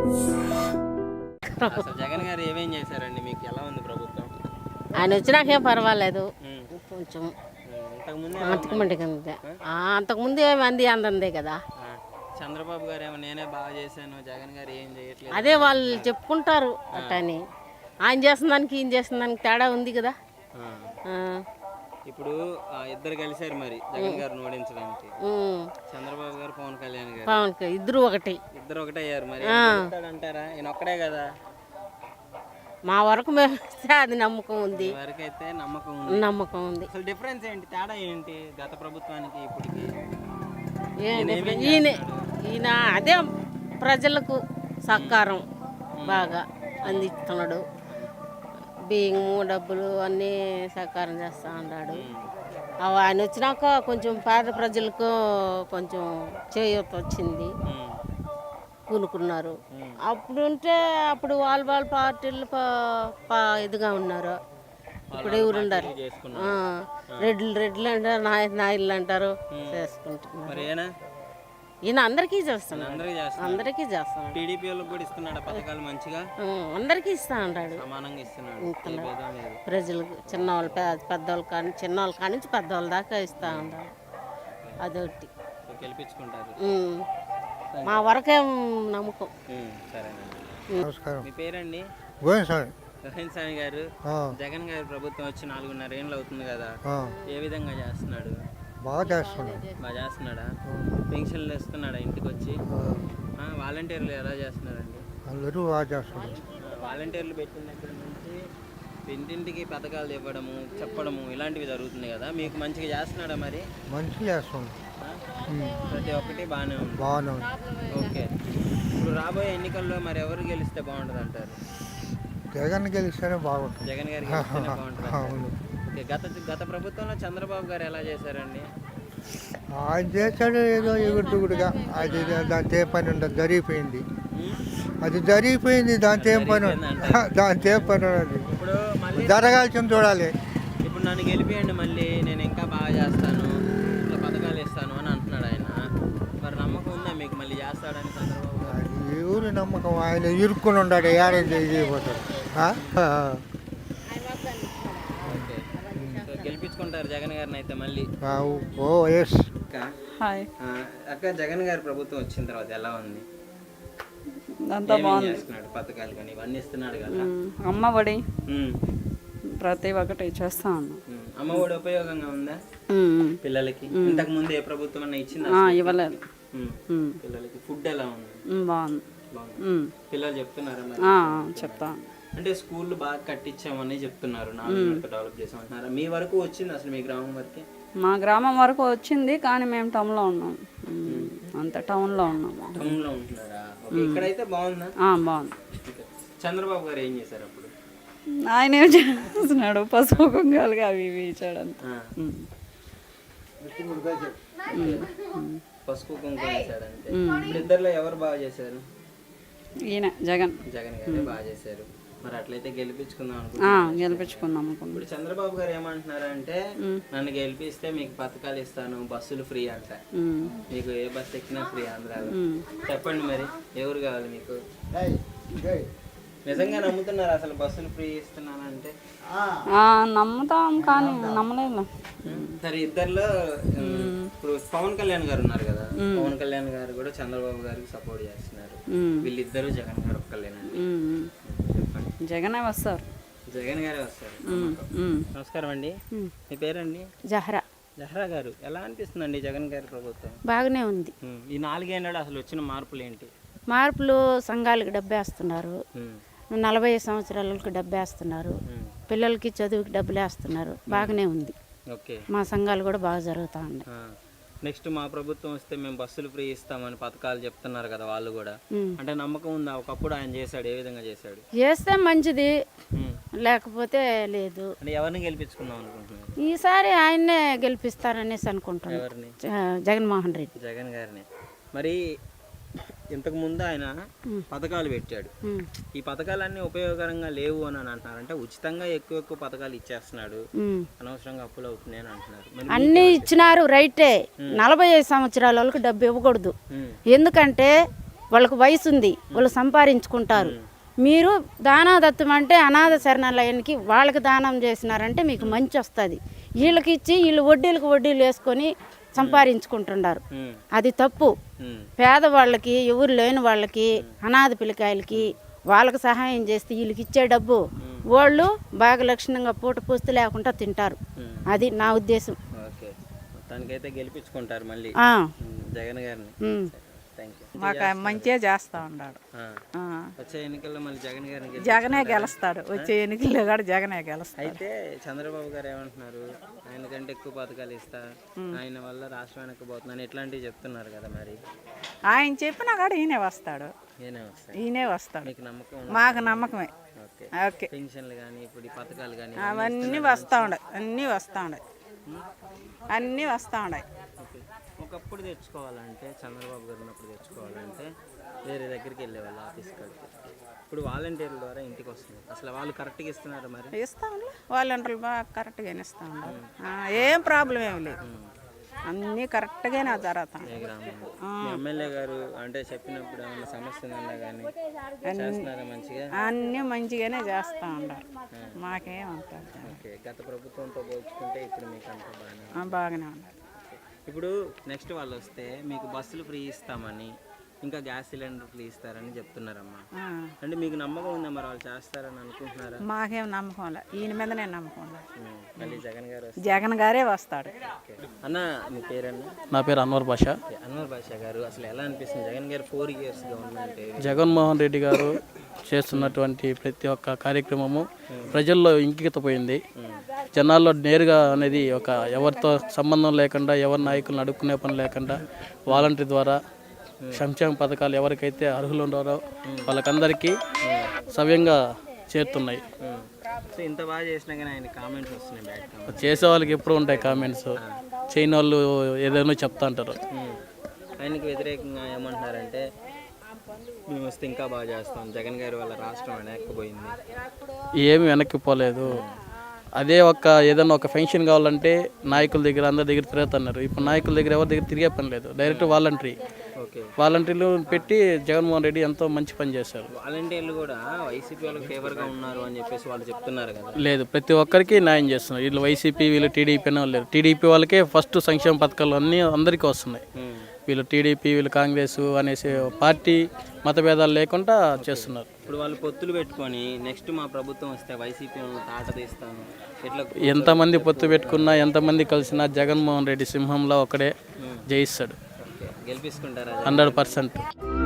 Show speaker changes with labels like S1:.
S1: అసలు జగన్ గారు ఏమేం చేశారండి? మీకు ఎలా ఉంది ప్రభుత్వం?
S2: ఆయన వచ్చినాకేం పర్వాలేదు, కొంచెం అంతకుముందు ఏమి అంది అందందే కదా.
S1: చంద్రబాబు గారు ఏమో నేనే బాగా చేశాను, జగన్ గారు ఏం చేయట్లేదు,
S2: అదే వాళ్ళు చెప్పుకుంటారు అట్టని. ఆయన చేసిన దానికి ఈయన చేసిన దానికి తేడా ఉంది కదా.
S1: ఇప్పుడు ఇద్దరు కలిశారు మరి జగన్ గారిని ఓడించడానికి. చంద్రబాబు గారు, పవన్ కళ్యాణ్ గారు
S2: ఇద్దరు ఒకటి
S1: అయ్యారు. మరి అంటారా? ఈయన ఒక్కడే కదా.
S2: మా వరకు మేము అది నమ్మకం ఉంది.
S1: వరకైతే
S2: నమ్మకం ఉంది.
S1: అసలు డిఫరెన్స్ ఏంటి, తేడా ఏంటి గత ప్రభుత్వానికి ఇప్పటికి?
S2: ఈయన అదే ప్రజలకు సహకారం బాగా అందిస్తున్నాడు. బియ్యము డబ్బులు అన్నీ సహకారం చేస్తూ ఉన్నాడు. ఆయన వచ్చినాక కొంచెం పేద ప్రజలకు కొంచెం చేయూత వచ్చింది, కూనుకున్నారు. అప్పుడు వాళ్ళ పార్టీలు ఇదిగా ఉన్నారు. ఇప్పుడు ఎవరు ఉండారు? రెడ్లు అంటారు, నాయుళ్ళు అంటారు, చేసుకుంటున్నారు. ఈయన అందరికీ చేస్తున్నాడు.
S1: టీడీపీ వాళ్ళకి కూడా ఇస్తున్నాడు పథకాలు మంచిగా,
S2: అందరికీ ఇస్తా ఉంటాడు. ప్రజలకు చిన్నవాళ్ళు పెద్దవాళ్ళు కానీ చిన్నవాళ్ళ కాడి నుంచి పెద్దవాళ్ళ దాకా ఇస్తా ఉంటాడు. అదొకటి
S1: గెలిపించుకుంటారు.
S2: మా వరకేం నమ్మకం.
S3: నమస్కారం.
S1: మీ పేరండి? రోహిన్ స్వామి గారు. జగన్ గారి ప్రభుత్వం వచ్చి 4.5 ఏళ్ళు అవుతుంది కదా, ఏ విధంగా చేస్తున్నాడు?
S3: బాగా
S1: చేస్తున్నాడా? పెన్షన్లు ఇస్తున్నాడా ఇంటికి వచ్చి? వాలంటీర్లు ఎలా చేస్తున్నారండి?
S3: అందరూ బాగా చేస్తున్నారు.
S1: వాలంటీర్లు పెట్టిన దగ్గర నుంచి ఇంటింటికి పథకాలు ఇవ్వడము, చెప్పడము ఇలాంటివి జరుగుతుంది కదా, మీకు మంచిగా చేస్తున్నాడా? మరి
S3: మంచిగా చేస్తుంది.
S1: ప్రతి ఒక్కటి బాగానే ఉంది. ఓకే. ఇప్పుడు రాబోయే ఎన్నికల్లో మరి ఎవరు గెలిస్తే బాగుంటుంది అంటారు?
S3: జగన్ గెలిస్తేనే బాగుంటుంది.
S1: జగన్ గారు గెలిస్తేనే బాగుంటుంది. ఓకే. గత ప్రభుత్వంలో చంద్రబాబు గారు ఎలా చేశారండి?
S3: ఆయన చేశాడు ఏదో ఎగుడుగుడుగా. అది దాంతో ఏ పని ఉండదు, జరిగిపోయింది. అది జరిగిపోయింది, దాంతో ఏం పని ఉండదు.
S1: ఇప్పుడు
S3: జరగాల్సింది చూడాలి.
S1: ఇప్పుడు నన్ను గెలిపియండి, మళ్ళీ నేను ఇంకా బాగా చేస్తాను, ఇట్లా పథకాలు ఇస్తాను అని అంటున్నాడు ఆయన. మరి నమ్మకం ఉందా మీకు మళ్ళీ చేస్తాడని చంద్రబాబు గారు?
S3: ఎవరి నమ్మకం? ఆయన ఇరుక్కుని ఉన్నాడు, ఏడాది చేయబోతాడు.
S1: గెలిపించుకుంటారు జగన్ గారిని అయితే మళ్ళీ? అక్క, జగన్ గారి ప్రభుత్వం వచ్చిన తర్వాత ఎలా ఉంది?
S4: అంతా బాగుంది.
S1: పథకాలు కానీ ఇవన్నీ ఇస్తున్నాడు కదా.
S4: అమ్మఒడి ప్రతి ఒక్కటి చేస్తా ఉన్నాం.
S1: అమ్మఒడి ఉపయోగంగా ఉందా పిల్లలకి? ఇంతకు ముందు ఏ ప్రభుత్వం అన్నా ఇచ్చిందా?
S4: ఇవ్వలేదు.
S1: పిల్లలకి ఫుడ్ ఎలా ఉంది?
S4: బాగుంది.
S1: పిల్లలు చెప్తున్నారా?
S4: చెప్తా.
S1: అంటే స్కూళ్ళు బాగా కట్టించామని చెప్తున్నారు, 4 డెవలప్ చేసామంటున్నారా? మీ వరకు వచ్చింది అసలు? మీ గ్రామం వరకే?
S4: మా గ్రామం వరకు వచ్చింది, కానీ మేము టౌన్లో ఉన్నాం. అంత టౌన్లో ఉన్నాం.
S1: టౌన్లో ఉంటున్నారా? ఇక్కడైతే బాగుందా?
S4: బాగుంది.
S1: చంద్రబాబు గారు ఏం చేశారు అప్పుడు?
S4: ఆయన ఏం చేస్తున్నాడు? పసుపు కుంకాలుగా అవి ఇవి ఇచ్చాడంత.
S1: పసుపు కుంకుమ వేసాడంటే. ఇప్పుడు ఇద్దరులో ఎవరు బాగా చేశారు?
S4: ఈయన జగన్
S1: గారే బాగా చేశారు. మరి అట్లయితే గెలిపించుకుందాం
S4: అనుకుంటున్నాం.
S1: ఇప్పుడు చంద్రబాబు గారు ఏమంటున్నారంటే, నన్ను గెలిపిస్తే మీకు పథకాలు ఇస్తాను, బస్సులు ఫ్రీ అంట. మీకు ఏ బస్సు ఎక్కినా ఫ్రీ ఆంధ్రాలో. చెప్పండి మరి ఎవరు కావాలి మీకు? నిజంగా నమ్ముతున్నారు అసలు బస్సులు ఫ్రీ ఇస్తున్నానంటే?
S4: నమ్ముతాం, కానీ నమ్మలేదు.
S1: సరే, ఇద్దరులో ఇప్పుడు పవన్ కళ్యాణ్ గారు ఉన్నారు కదా, పవన్ కళ్యాణ్ గారు కూడా చంద్రబాబు గారికి సపోర్ట్ చేస్తున్నారు. వీళ్ళిద్దరు జగన్ గారు ఒక్కలేనండి?
S4: జగనే వస్తారు.
S1: జగన్ గారే వస్తారు. నమస్కారం అండి. మీ పేరండి? జహరా గారు. ఎలా అనిపిస్తుందండి జగన్ గారి ప్రభుత్వం?
S2: బాగానే ఉంది.
S1: ఈ 4 ఏళ్ళలో అసలు వచ్చిన మార్పులు ఏంటి?
S2: మార్పులు సంఘాలకు డబ్బేస్తున్నారు, 40 సంవత్సరాలకు డబ్బేస్తున్నారు, పిల్లలకి చదువుకి డబ్బులు వేస్తున్నారు. బాగానే ఉంది. మా సంఘాలు కూడా బాగా జరుగుతూ ఉన్నాయి.
S1: నెక్స్ట్ మా ప్రభుత్వం వస్తే మేము బస్సులు ఫ్రీ ఇస్తామని పథకాలు చెప్తున్నారు కదా, వాళ్ళు కూడా అంటే నమ్మకం ఉందా? ఒకప్పుడు ఆయన చేశాడు, ఏ విధంగా చేశాడు?
S2: చేస్తే మంచిది, లేకపోతే లేదు.
S1: అంటే ఎవరిని గెలిపించుకుందాం అనుకుంటున్నారు?
S2: ఈసారి ఆయన్నే గెలిపిస్తారనేసి అనుకుంటున్నాను.
S1: ఎవరిని?
S2: జగన్మోహన్ రెడ్డి.
S1: జగన్ గారిని. మరి ఇంతకు ముందు ఆయన పథకాలు పెట్టాడు, ఈ పథకాలన్నీ ఉపయోగకరంగా లేవు అని అంటున్నారు. అంటే ఉచితంగా ఎక్కువ పథకాలు ఇచ్చేస్తున్నాడు, అనవసరంగా అప్పులు అవుతున్నాయి అని అంటున్నారు.
S2: అన్ని ఇచ్చినారు రైటే, 45 సంవత్సరాల వాళ్ళకి డబ్బు ఇవ్వకూడదు. ఎందుకంటే వాళ్ళకు వయసు ఉంది, వాళ్ళు సంపాదించుకుంటారు. మీరు దానాదత్తం అంటే అనాథ శరణాలయానికి వాళ్ళకి దానం చేసినారంటే మీకు మంచి వస్తుంది. వీళ్ళకి ఇచ్చి వీళ్ళు వడ్డీలకు వడ్డీలు వేసుకొని సంపాదించుకుంటున్నారు. అది తప్పు. పేదవాళ్ళకి, ఎవరు లేని వాళ్ళకి, అనాథ పిల్లకాయలకి వాళ్ళకి సహాయం చేస్తే వీళ్ళకి ఇచ్చే డబ్బు వాళ్ళు బాగా లక్షణంగా పూట పూస్తూ లేకుండా తింటారు. అది నా ఉద్దేశం.
S1: ఓకే, మొత్తానికైతే గెలిపించుకుంటారు మళ్ళీ జగన్ గారిని.
S5: మాకు మంచిగా చేస్తా ఉన్నాడు.
S1: వచ్చే ఎన్నికల్లో మళ్ళీ జగన్ గారిని
S5: జగనే గెలుస్తాడు. వచ్చే ఎన్నికల్లో కూడా జగనే గెలుస్తాడు.
S1: అయితే చంద్రబాబు గారు ఏమంటున్నారు, ఆయన కంటే ఎక్కువ పథకాలు ఇస్తా, ఆయన వల్ల రాష్ట్రం వెనక్కిపోతుందని ఇట్లాంటివి చెప్తున్నారు కదా. మరి
S5: ఆయన చెప్పినా కూడా ఈయనే వస్తాడు. ఈయనే వస్తాడు.
S1: మీకు నమ్మకం?
S5: మాకు నమ్మకమే.
S1: ఓకే, పెన్షన్లు కానీ ఇప్పుడు ఈ పథకాలు కానీ
S5: అవన్నీ వస్తూ ఉన్నాయి. అన్నీ వస్తూ ఉన్నాయి. అన్నీ వస్తూ ఉన్నాయి.
S1: ఒకప్పుడు తెచ్చుకోవాలంటే చంద్రబాబు గారు ఉన్నప్పుడు తెచ్చుకోవాలంటే వేరే దగ్గరికి వెళ్ళేవాళ్ళు ఆఫీస్ కాడికి. ఇప్పుడు వాలంటీర్ల ద్వారా ఇంటికి వస్తుంది. అసలు వాళ్ళు కరెక్ట్గా ఇస్తున్నారు? మరి
S5: ఇస్తా ఉన్నారు. వాలంటీర్లు బాగా కరెక్ట్గానే ఇస్తూ ఉన్నారు. ఏం ప్రాబ్లం ఏమి లేదు. అన్నీ కరెక్ట్గానే జరుగుతాం.
S1: ఎమ్మెల్యే గారు అంటే చెప్పినప్పుడు ఏమన్నా సమస్య ఉందన్నా కానీ చేస్తున్నారా మంచిగా?
S5: అన్నీ మంచిగానే చేస్తూ ఉన్నారు. మాకేమంటారు.
S1: ఓకే, గత ప్రభుత్వంతో పోల్చుకుంటే ఇప్పుడు మీకు అంత
S5: బాగానే ఉన్నారు.
S1: ఇప్పుడు నెక్స్ట్ వాళ్ళు వస్తే మీకు బస్సులు ఫ్రీ ఇస్తామని, ఇంకా గ్యాస్ సిలిండర్ ఫ్రీ ఇస్తారని చెప్తున్నారమ్మా. అంటే మీకు నమ్మకం ఉందా? మరి వాళ్ళు చేస్తారని అనుకుంటున్నారా?
S5: మాకేం నమ్మకం లే. ఈయన మీదనే నమ్మకం లే.
S1: మళ్ళీ జగన్ గారు
S5: జగన్ గారే వస్తాడు.
S1: అన్న, మీ పేరన్నా?
S6: నా పేరు అన్వర్ బాషా.
S1: అన్వర్ బాషా గారు, అసలు ఎలా అనిపిస్తుంది జగన్ గారు 4 years గవర్నమెంట్?
S6: జగన్మోహన్ రెడ్డి గారు చేస్తున్నటువంటి ప్రతి ఒక్క కార్యక్రమము ప్రజల్లో ఇంకితపోయింది. జనాల్లో నేరుగా అనేది ఒక ఎవరితో సంబంధం లేకుండా, ఎవరి నాయకులను అడుక్కునే పని లేకుండా వాలంటీర్ ద్వారా సంక్షేమ పథకాలు ఎవరికైతే అర్హులు ఉన్నారో వాళ్ళకందరికీ సవ్యంగా చేరుతున్నాయి.
S1: సో ఇంత బాగా చేసినా కానీ ఆయన కామెంట్స్ వస్తున్నాయి బ్యాడ్.
S6: చేసే వాళ్ళకి ఎప్పుడు ఉంటాయి కామెంట్స్. చేయని వాళ్ళు ఏదైనా చెప్తా అంటారు.
S1: ఆయనకి వ్యతిరేకంగా ఏమంటున్నారంటే మేము వస్తే ఇంకా బాగా చేస్తాం, జగన్ గారి వల్ల రాష్ట్రం వెనక్కిపోయింది.
S6: ఏమి వెనక్కిపోలేదు. అదే ఏదైనా ఒక పెన్షన్ కావాలంటే నాయకుల దగ్గర అందరి దగ్గర తిరుగుతున్నారు. ఇప్పుడు నాయకుల దగ్గర ఎవరి దగ్గర తిరిగే పని లేదు. డైరెక్ట్ వాలంటీర్లు పెట్టి జగన్మోహన్ రెడ్డి ఎంతో మంచి పని చేశారు.
S1: వాలంటీర్లు కూడా వైసీపీ వాళ్ళకి ఫేవర్గా ఉన్నారు అని చెప్పేసి వాళ్ళు చెప్తున్నారు కదా.
S6: లేదు, ప్రతి ఒక్కరికి న్యాయం చేస్తున్నారు. వీళ్ళు వైసీపీ, వీళ్ళు టీడీపీ అనే వాళ్ళు లేరు. టీడీపీ వాళ్ళకే ఫస్ట్ సంక్షేమ పథకాలు అన్నీ అందరికీ వస్తున్నాయి. వీళ్ళు టీడీపీ, వీళ్ళు కాంగ్రెస్ అనేసి పార్టీ మతభేదాలు లేకుండా చేస్తున్నారు.
S1: ఇప్పుడు వాళ్ళు పొత్తులు పెట్టుకొని నెక్స్ట్ మా ప్రభుత్వం వస్తే వైసీపీ తాట తీస్తాను ఇట్లా
S6: ఎంతమంది పొత్తు పెట్టుకున్నా, ఎంతమంది కలిసినా జగన్మోహన్ రెడ్డి సింహంలో ఒకడే జయిస్తాడు.
S1: గెలిపించుకుంటారా?
S6: 100%.